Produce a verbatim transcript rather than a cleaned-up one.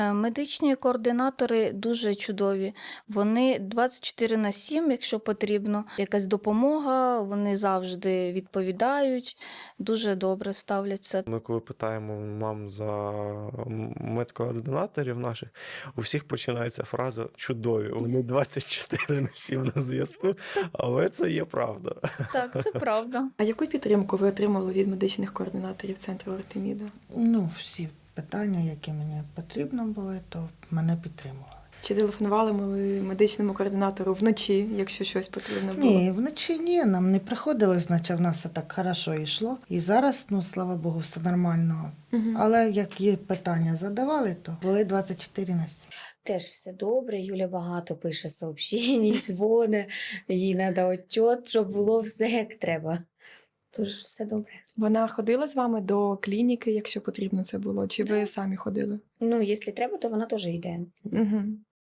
Е, Медичні координатори дуже чудові. Вони двадцять чотири на сім, якщо потрібно, якась допомога, вони завжди відповідають, дуже добре ставляться. Ми коли питаємо мам за медкоординаторів наших, у всіх починається фраза «чудові». Вони двадцять чотири на сім на зв'язку, але це є правда. Так, це правда. А яку підтримку ви отримали від медичних координаторів центру Артеміда? Ну, всі питання, які мені потрібно були, то мене підтримували. Чи телефонували ми медичному координатору вночі, якщо щось потрібно було? Ні, вночі ні, нам не приходилось, наче в нас все так хорошо йшло. І зараз, ну, слава Богу, все нормально. Мгм. Але як є питання задавали, то були двадцять чотири на сім. Теж все добре. Юля багато пише сообщень, дзвони. Їй треба отчет, щоб було все як треба. Тож все добре. Вона ходила з вами до клініки, якщо потрібно це було, чи ви самі ходили? Ну, якщо треба, то вона теж йде. Угу.